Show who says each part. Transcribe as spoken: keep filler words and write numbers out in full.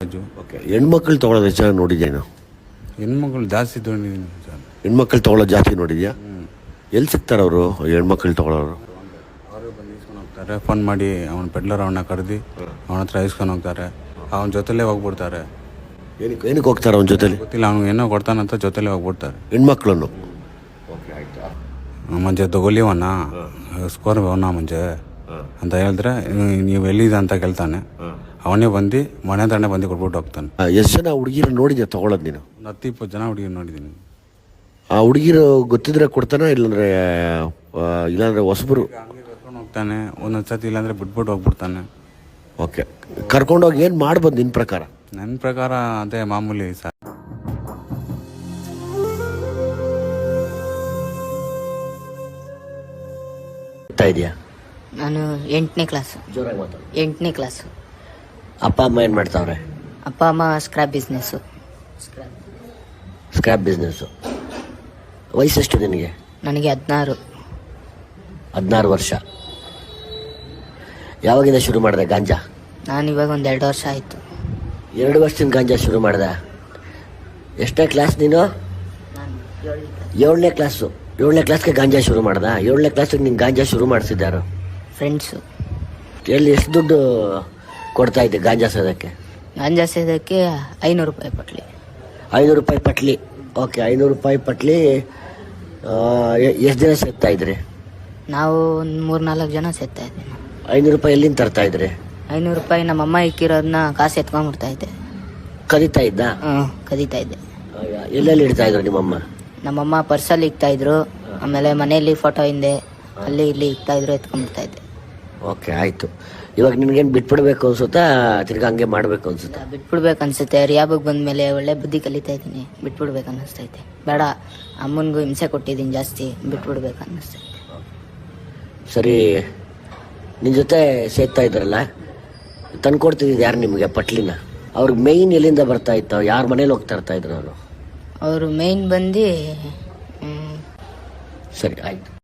Speaker 1: Okay, ಹೆಣ್ಮಕ್ಳು ತೊಗೊಳೋದು ಹೆಚ್ಚಾಗಿ ನೋಡಿದ್ಯೇನು?
Speaker 2: ಹೆಣ್ಮಕ್ಳು ಜಾಸ್ತಿ ತೊಗೊಂಡಿದ್ದೀನಿ ಸರ್.
Speaker 1: ಹೆಣ್ಮಕ್ಳು ತೊಗೊಳೋದು ಜಾಸ್ತಿ ನೋಡಿದ್ಯಾ? ಎಲ್ಲಿ ಸಿಗ್ತಾರೆ ಅವರು ಹೆಣ್ಮಕ್ಳು ತೊಗೊಳೋರು?
Speaker 2: ಅವರು ಬಂದು ಇಸ್ಕೊಂಡು ಹೋಗ್ತಾರೆ. ಫೋನ್ ಮಾಡಿ ಅವ್ನ ಪೆಡ್ಲರ್ ಅವನ್ನ ಕರೆದು ಅವನ ಹತ್ರ ಇಸ್ಕೊಂಡು ಹೋಗ್ತಾರೆ. ಅವನ ಜೊತೆಲೇ ಹೋಗ್ಬಿಡ್ತಾರೆ.
Speaker 1: ಏನಕ್ಕೆ ಏನಕ್ಕೆ ಹೋಗ್ತಾರೆ ಅವನ ಜೊತೆಲಿ?
Speaker 2: ಗೊತ್ತಿಲ್ಲ, ಅವ್ನು ಏನೋ ಕೊಡ್ತಾನಂತ ಜೊತೆಲೇ ಹೋಗ್ಬಿಡ್ತಾರೆ
Speaker 1: ಹೆಣ್ಮಕ್ಳನ್ನು.
Speaker 2: ಮಂಜೆ ತಗೊಲಿವಣ್ಣ ಸ್ಕೋರ್ ಅವನ ಮಂಜೆ ಅಂತ ಹೇಳಿದ್ರೆ ನೀವು ಎಲ್ಲಿದೆ ಅಂತ ಕೇಳ್ತಾನೆ. ಅವನೇ ಬಂದು ಮನೆ ಹತ್ರನೇ ಬಂದು ಕೊಟ್ಬಿಟ್ಟು ಹೋಗ್ತಾನೆ.
Speaker 1: ಎಷ್ಟು ಜನ ಹುಡುಗಿರ ನೋಡಿದ್ಯಾ ತೊಗೊಳೋದು ನೀನು?
Speaker 2: ಒಂದು ಹತ್ತು ಇಪ್ಪತ್ತು ಜನ ಹುಡುಗಿ ನೋಡಿದ್ದೀನಿ.
Speaker 1: ಆ ಹುಡುಗಿರು ಗೊತ್ತಿದ್ರೆ ಕೊಡ್ತಾನೆ, ಇಲ್ಲಾಂದ್ರೆ ಇಲ್ಲಾಂದ್ರೆ ಹೊಸಬರು
Speaker 2: ಹಂಗೆ ಕರ್ಕೊಂಡು ಹೋಗ್ತಾನೆ. ಒಂದೊಂದು ಸತಿ ಇಲ್ಲಾಂದ್ರೆ ಬಿಟ್ಬಿಟ್ಟು ಹೋಗ್ಬಿಡ್ತಾನೆ.
Speaker 1: ಓಕೆ, ಕರ್ಕೊಂಡೋಗಿ ಏನು ಮಾಡ್ಬೋದು ನಿನ್ನ ಪ್ರಕಾರ?
Speaker 2: ನನ್ನ ಪ್ರಕಾರ ಅದೇ ಮಾಮೂಲಿ ಸರ್.
Speaker 1: ಇದೆಯಾ?
Speaker 3: ನಾನು ಎಂಟನೇ ಕ್ಲಾಸು.
Speaker 1: ಜೋರಾಗಿ ಮಾತಾಡು.
Speaker 3: ಎಂಟನೇ ಕ್ಲಾಸು.
Speaker 1: ಅಪ್ಪ ಅಮ್ಮ ಏನು ಮಾಡ್ತಾವ್ರೆ?
Speaker 3: ಅಪ್ಪ ಅಮ್ಮ ಸ್ಕ್ರಾಪ್ ಬಿಸ್ನೆಸ್ಸು.
Speaker 1: Scrap business. ವಯಸ್ಸೆಷ್ಟು ನಿನಗೆ?
Speaker 3: ನನಗೆ ಹದಿನಾರು.
Speaker 1: ಹದಿನಾರು ವರ್ಷ. ಯಾವಾಗಿಂದ ಶುರು ಮಾಡಿದೆ ಗಾಂಜಾ?
Speaker 3: ನಾನು ಇವಾಗ ಒಂದು ಎರಡು ವರ್ಷ ಆಯಿತು.
Speaker 1: ಎರಡು ವರ್ಷದಿಂದ ಗಾಂಜಾ ಶುರು ಮಾಡಿದೆ. ಎಷ್ಟನೇ ಕ್ಲಾಸ್ ನೀನು? ಏಳನೇ ಕ್ಲಾಸು. ಏಳನೇ ಕ್ಲಾಸ್ಗೆ ಗಾಂಜಾ ಶುರು ಮಾಡ್ದ? ಏಳನೇ ಕ್ಲಾಸಿಗೆ ನೀನು ಗಾಂಜಾ ಶುರು ಮಾಡಿಸಿದ್ದಾರು?
Speaker 3: ಫ್ರೆಂಡ್ಸು.
Speaker 1: ಎಲ್ಲಿ ಎಷ್ಟು ದುಡ್ಡು ಕೊಡ್ತಾ ಇದ್ದೆ ಗಾಂಜಾ ಸೇದಕ್ಕೆ?
Speaker 3: ಗಾಂಜಾ ಸೇದಕ್ಕೆ ಐನೂರು ರೂಪಾಯಿ ಪಟ್ಲಿ.
Speaker 1: ಐನೂರು ರೂಪಾಯಿ ಪಟ್ಲಿ. ಓಕೆ, ಐನೂರು ರೂಪಾಯಿ ಪಟ್ಲಿ. ಎಷ್ಟು ದಿನ ಸೇರ್ತಾ ಇದ್ರಿ?
Speaker 3: ನಾವು ಒಂದು ಮೂರು ನಾಲ್ಕು ಜನ ಸೇರ್ತಾ ಇದ್ವಿ.
Speaker 1: ಐನೂರು ರೂಪಾಯಿ ಎಲ್ಲಿಂದ ತರ್ತಾ ಇದ್ರಿ?
Speaker 3: ಐನೂರು ರೂಪಾಯಿ ನಮ್ಮಮ್ಮ ಇಕ್ಕಿರೋದನ್ನ ಕಾಸು ಎತ್ಕೊಂಡ್ಬಿಡ್ತಾ ಇದ್ದೆ.
Speaker 1: ಕದೀತಾ ಇದ್ದ?
Speaker 3: ಹ್ಞೂ, ಕದೀತಾ ಇದ್ದೆ.
Speaker 1: ಎಲ್ಲೆಲ್ಲಿ ಇಡ್ತಾ ಇದ್ರು ನಿಮ್ಮಮ್ಮ?
Speaker 3: ನಮ್ಮಮ್ಮ ಪರ್ಸಲ್ಲಿ ಇಕ್ತಾ ಇದ್ರು, ಆಮೇಲೆ ಮನೆಯಲ್ಲಿ ಫೋಟೋ ಹಿಂದೆ ಅಲ್ಲಿ ಇಲ್ಲಿ ಇಕ್ತಾ ಇದ್ರು, ಎತ್ಕೊಂಡ್ಬಿಡ್ತಾ ಇದ್ದೆ.
Speaker 1: ಓಕೆ, ಆಯಿತು. ಇವಾಗ ನಿನ್ಗೇನು ಬಿಟ್ಬಿಡ್ಬೇಕು ಅನ್ಸುತ್ತಾ, ತಿರ್ಗಿ ಹಂಗೆ ಮಾಡಬೇಕು ಅನ್ಸುತ್ತಾ?
Speaker 3: ಬಿಟ್ಬಿಡ್ಬೇಕು ಅನ್ಸುತ್ತೆ. ರಿಯಾಬಗ್ ಬಂದಮೇಲೆ ಒಳ್ಳೆ ಬುದ್ಧಿ ಕಲಿತಾ ಇದ್ದೀನಿ. ಬಿಟ್ಬಿಡ್ಬೇಕು ಅನ್ನಿಸ್ತೈತೆ. ಬೇಡ, ಅಮ್ಮನಿಗೂ ಹಿಂಸೆ ಕೊಟ್ಟಿದ್ದೀನಿ ಜಾಸ್ತಿ, ಬಿಟ್ಬಿಡ್ಬೇಕು ಅನ್ನಿಸ್ತೈತೆ.
Speaker 1: ಸರಿ, ನಿನ್ನ ಜೊತೆ ಸೇರ್ತಾ ಇದ್ರಲ್ಲ, ತಂದ್ಕೊಡ್ತಿದ್ದು ಯಾರು ನಿಮಗೆ ಪಟ್ಲಿನ? ಅವ್ರಿಗೆ ಮೇಯ್ನ್ ಎಲ್ಲಿಂದ ಬರ್ತಾ ಇತ್ತು? ಯಾರ ಮನೇಲಿ ಹೋಗ್ತಾ ಇರ್ತಾ ಇದ್ರು? ನಾನು
Speaker 3: ಅವರು ಮೇಯ್ನ್ ಬಂದು
Speaker 1: ಸರಿ, ಆಯಿತು.